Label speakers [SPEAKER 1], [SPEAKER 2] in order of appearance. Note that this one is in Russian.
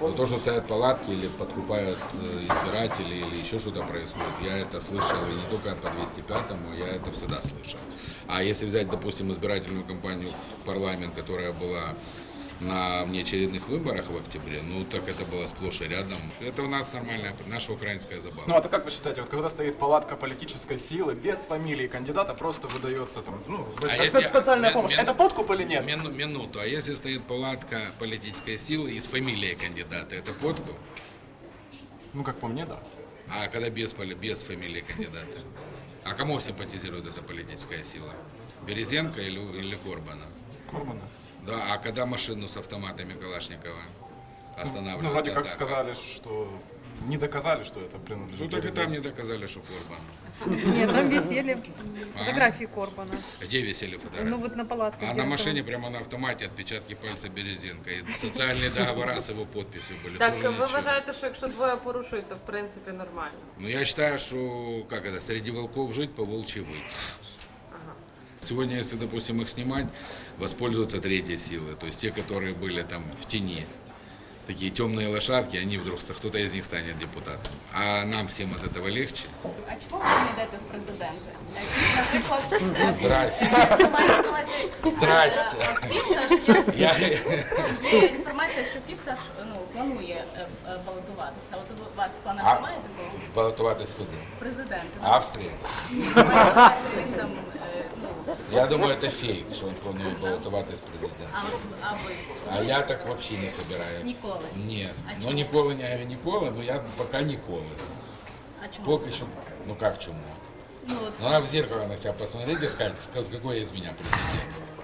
[SPEAKER 1] Но то, что стоят палатки или подкупают избирателей или еще что-то происходит, я это слышал и не только по 205-му, я это всегда слышал. А если взять, допустим, избирательную кампанию в парламент, которая была на внеочередных выборах в октябре, ну так это было сплошь и рядом. Это у нас нормальная, наша украинская забава.
[SPEAKER 2] Ну а то как вы считаете, вот когда стоит палатка политической силы, без фамилии кандидата, просто выдается там, ну, социальная помощь, это подкуп или нет?
[SPEAKER 1] Минуту. А если стоит палатка политической силы и с фамилией кандидата, это подкуп?
[SPEAKER 2] Ну как по мне, да.
[SPEAKER 1] А когда без фамилии кандидата? А кому симпатизирует эта политическая сила? Березенко или Корбана?
[SPEAKER 2] Корбана.
[SPEAKER 1] Да, а когда машину с автоматами Калашникова останавливают?
[SPEAKER 2] Ну вроде как сказали, что не доказали, что это принадлежит.
[SPEAKER 1] Ну так и
[SPEAKER 2] Березенко.
[SPEAKER 1] там не доказали, что Корбан.
[SPEAKER 3] Нет, там висели фотографии Корбана.
[SPEAKER 1] Где висели фотографии?
[SPEAKER 3] Ну вот на палатке.
[SPEAKER 1] А
[SPEAKER 3] где
[SPEAKER 1] на
[SPEAKER 3] он
[SPEAKER 1] машине прямо на автомате отпечатки пальца Березенко. И социальные договора с его подписью были.
[SPEAKER 4] Так
[SPEAKER 1] Тоже
[SPEAKER 4] ви
[SPEAKER 1] ничего.
[SPEAKER 4] вважаєте, що якщо двоє порушують, то в принципі нормально?
[SPEAKER 1] Ну я считаю, что как это, среди волков жить, по волчьи выть. Сегодня, если, допустим, их снимать, воспользуются третьей силой. То есть те, которые были там в тени. Такие темные лошадки, они вдруг, кто-то из них станет депутатом. А нам всем от этого легче.
[SPEAKER 5] А чому ви не йдете в президенти? Наприклад,
[SPEAKER 1] Здрасте. Здрасте.
[SPEAKER 5] Фірташ
[SPEAKER 1] Я...
[SPEAKER 5] є інформація, що Фірташ планує балотуватися. От у вас в планах немає такого?
[SPEAKER 1] Балотуватись куди?
[SPEAKER 5] Президент.
[SPEAKER 1] Австрия.
[SPEAKER 5] Він там,
[SPEAKER 1] Я думаю, это фейк, что он планирует баллотоваться президентом.
[SPEAKER 5] а ви?
[SPEAKER 1] А я так вообще не собираюсь.
[SPEAKER 5] Ніколи.
[SPEAKER 1] Нет.
[SPEAKER 5] А
[SPEAKER 1] Ну
[SPEAKER 5] чому?
[SPEAKER 1] ніколи, не говорю ніколи, но я пока ніколи.
[SPEAKER 5] А чому?
[SPEAKER 1] Поки що, ну как чему?
[SPEAKER 5] Ну, от,
[SPEAKER 1] Ну, надо в зеркало на себя посмотреть и сказать, какой из меня президент.